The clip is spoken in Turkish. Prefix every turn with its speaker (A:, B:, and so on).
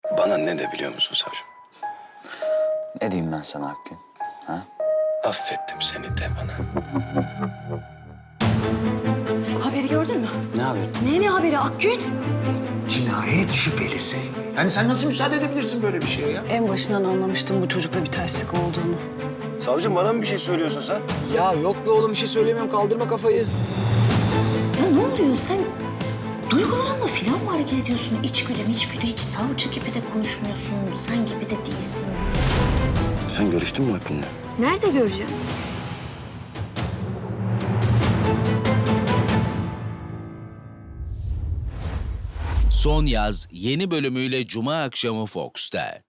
A: Bana ne de biliyor musun savcım?
B: Ne diyeyim ben sana Akgün? Ha?
A: Affettim seni de bana.
C: Haberi gördün mü?
B: Ne haberi?
C: Ne haberi Akgün?
D: Cinayet şüphelisi. Yani sen nasıl müsaade edebilirsin böyle bir şeye ya?
C: En başından anlamıştım bu çocukta bir terslik olduğunu.
A: Savcım bana mı bir şey söylüyorsun sen?
D: Ya yok be oğlum bir şey söylemiyorum. Kaldırma kafayı.
C: Ya ne oluyor sen? Duygularınla falan mı hareket ediyorsun? İçgüdü hiç savcı gibi de konuşmuyorsun. Sen gibi de değilsin.
A: Sen görüştün mü Akgün'le?
C: Nerede göreceğim?
E: Son Yaz yeni bölümüyle Cuma akşamı Fox'ta.